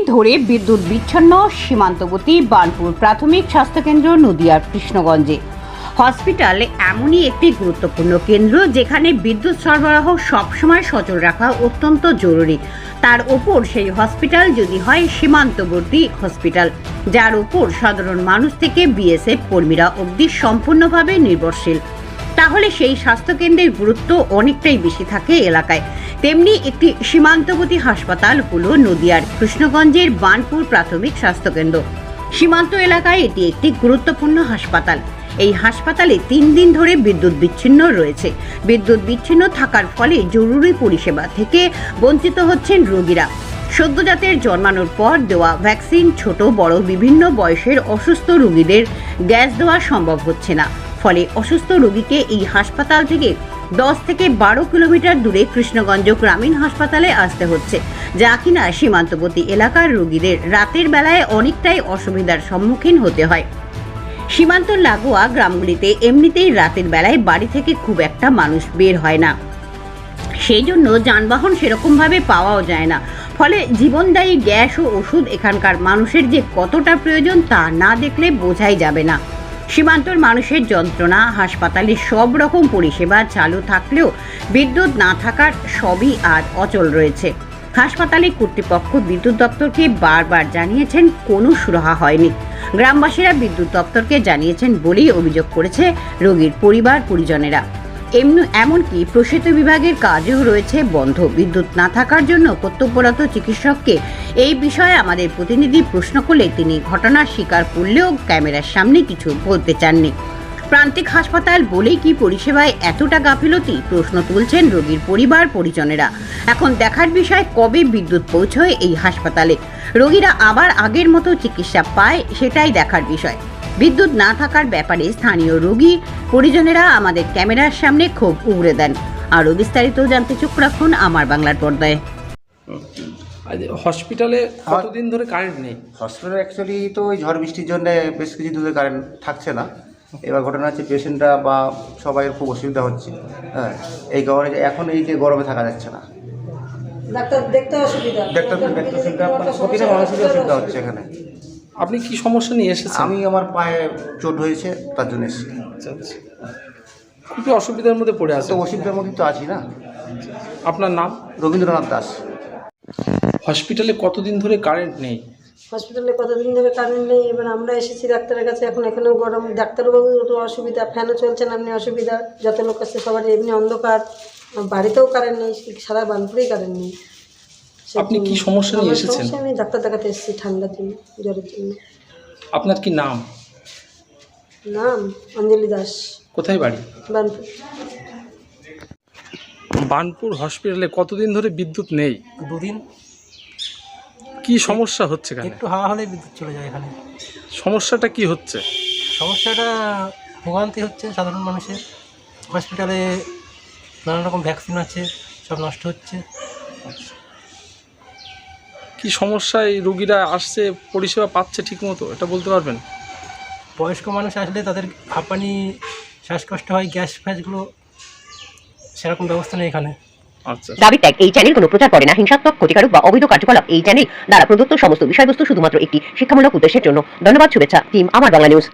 ধরে বিদ্যুৎ বিচ্ছিন্ন সীমান্তবর্তী বার্নপুর প্রাথমিক স্বাস্থ্যকেন্দ্র নদিয়ার কৃষ্ণগঞ্জে। হসপিটাল এমনই একটি গুরুত্বপূর্ণ কেন্দ্র যেখানে বিদ্যুৎ সরবরাহ সবসময় সচল রাখা অত্যন্ত জরুরি। তার উপর সেই হসপিটাল যদি হয় সীমান্তবর্তী হসপিটাল, যার উপর সাধারণ মানুষ থেকে বিএসএফ কর্মীরা অবধি সম্পূর্ণভাবে নির্ভরশীল, তাহলে সেই স্বাস্থ্যকেন্দ্রের গুরুত্ব অনেকটাই বেশি থাকে এলাকায়। তেমনি একটি সীমান্তবর্তী হাসপাতাল হলো নদিয়ার কৃষ্ণগঞ্জের বার্নপুর প্রাথমিক স্বাস্থ্যকেন্দ্র। সীমান্ত এলাকায় এটি একটি গুরুত্বপূর্ণ হাসপাতাল। এই হাসপাতালে 3 দিন ধরে বিদ্যুৎ বিচ্ছিন্ন রয়েছে। বিদ্যুৎ বিচ্ছিন্ন থাকার ফলে জরুরি পরিষেবা থেকে বঞ্চিত হচ্ছেন রোগীরা। সদ্যজাতের জন্মানোর পর দেওয়া ভ্যাকসিন, ছোট বড় বিভিন্ন বয়সের অসুস্থ রোগীদের গ্যাস দেওয়া সম্ভব হচ্ছে না। ফলে অসুস্থ রোগীকে এই হাসপাতাল থেকে 10 থেকে 12 কিলোমিটার দূরে কৃষ্ণগঞ্জ গ্রামীণ হাসপাতালে আসতে হচ্ছে, যা কিনা সীমান্তবর্তী এলাকার রোগীদের রাতের বেলায় অনেকটাই অসুবিধার সম্মুখীন হতে হয়। সীমান্ত লাগোয়া গ্রামগুলিতে এমনিতেই রাতের বেলায় বাড়ি থেকে খুব একটা মানুষ বের হয় না, সেই জন্য যানবাহন সেরকমভাবে পাওয়াও যায় না। ফলে জীবনদায়ী গ্যাস ও ওষুধ এখানকার মানুষের যে কতটা প্রয়োজন তা না দেখলে বোঝাই যাবে না। সীমান্তর মানুষের যন্ত্রণা, হাসপাতালে সব রকম পরিষেবা চালু থাকলেও বিদ্যুৎ না থাকার সবই আজ অচল রয়েছে। হাসপাতালে কর্তৃপক্ষ বিদ্যুৎ দপ্তরকে বারবার জানিয়েছেন, কোনো সুরাহা হয়নি। গ্রামবাসীরা বিদ্যুৎ দপ্তরকে জানিয়েছেন বলেই অভিযোগ করেছে রোগীর পরিবার পরিজনেরা। এমনকি প্রসূত বিভাগের কাজও রয়েছে বন্ধ। বিদ্যুৎ না থাকার জন্য কর্তব্যরত চিকিৎসককে এই বিষয়ে আমাদের প্রতিনিধি প্রশ্ন করলে তিনি ঘটনার স্বীকার করলেও ক্যামেরার সামনে কিছু বলতে চাননি। প্রান্তিক হাসপাতাল বলেই কি পরিষেবায় এতটা গাফিলতি, প্রশ্ন তুলছেন রোগীর পরিবার পরিজনেরা। এখন দেখার বিষয় কবে বিদ্যুৎ পৌঁছয় এই হাসপাতালে, রোগীরা আবার আগের মতো চিকিৎসা পায়, সেটাই দেখার বিষয়। বিদ্যুৎ না থাকার ব্যাপারে স্থানীয় রোগী পরিজনেরা আমাদের ক্যামেরার সামনে ক্ষোভ উগরে দেন। আরও বিস্তারিত জানতে চোখ রাখুন আমার বাংলার পর্দায়। হসপিটালে কতদিন ধরে কারেন্ট নেই? হসপিটালে অ্যাকচুয়ালি তো ওই ঝড় বৃষ্টির জন্য বেশ কিছু ধরে কারেন্ট থাকছে না। এবার ঘটনা হচ্ছে পেশেন্টরা বা সবাই খুব অসুবিধা হচ্ছে। হ্যাঁ, এই কারণে যে এখন এই যে গরমে থাকা যাচ্ছে না, ডাক্তার দেখতে অসুবিধা, প্রতিটা মানুষেরই অসুবিধা হচ্ছে এখানে। আপনি কি সমস্যা নিয়ে এসেছেন? আমি আমার পায়ে চোট হয়েছে, তার জন্য এসেছি। আচ্ছা আচ্ছা, খুবই অসুবিধার মধ্যে পড়ে আছে। তো অসুবিধার মধ্যে তো আছি না। আপনার নাম? রবীন্দ্রনাথ দাস। হসপিটালে কতদিন ধরে কারেন্ট নেই? হসপিটালে কতদিন ধরে কারেন্ট নেই। এবার আমরা এসেছি ডাক্তারের কাছে, এখন এখানেও গরম, ডাক্তারবাবুর তো অসুবিধা, ফ্যানও চলছে না, এমনি অসুবিধা, যত লোক আসছে সবার এমনি অন্ধকার, বাড়িতেও কারেন্ট নেই, সারা বার্নপুরেই কারেন্ট নেই। আপনি কি সমস্যা নিয়ে এসেছেন? আমি ডাক্তার দেখাতে এসেছি ঠান্ডার জন্য, জ্বরের জন্য। আপনার কি নাম? নাম অঞ্জলি দাস। কোথায় বাড়ি? বার্নপুর। বার্নপুর হসপিটালে কতদিন ধরে বিদ্যুৎ নেই? 2 দিন। কি সমস্যা হচ্ছে? একটু হাওয়া হলে বিদ্যুৎ চলে যায় এখানে। সমস্যাটা কি হচ্ছে? সমস্যাটা ভোগান্তি হচ্ছে সাধারণ মানুষের। হসপিটালে নানা রকম ভ্যাকসিন আছে, সব নষ্ট হচ্ছে। কি সমস্যায় রোগীরা আসছে, পরিষেবা পাচ্ছে ঠিক মতো, এটা বলতে পারবেন? বয়স্ক মানুষ আসলে তাদের হাঁপানি, শ্বাসকষ্ট হয়, গ্যাস ফ্যাসগুলো, সেরকম ব্যবস্থা নেই এখানে। আচ্ছা। দাবি ত্যাগ। এই চ্যানেল কোনো প্রচার করে না হিংসাত্মক, ক্ষতিকারক বা অবৈধ কার্যকলাপ। এই চ্যানেল দ্বারা প্রদত্ত সমস্ত বিষয়বস্তু শুধুমাত্র একটি শিক্ষামূলক উদ্দেশ্যের জন্য। ধন্যবাদ। শুভেচ্ছা টিম আমার বাংলা নিউজ।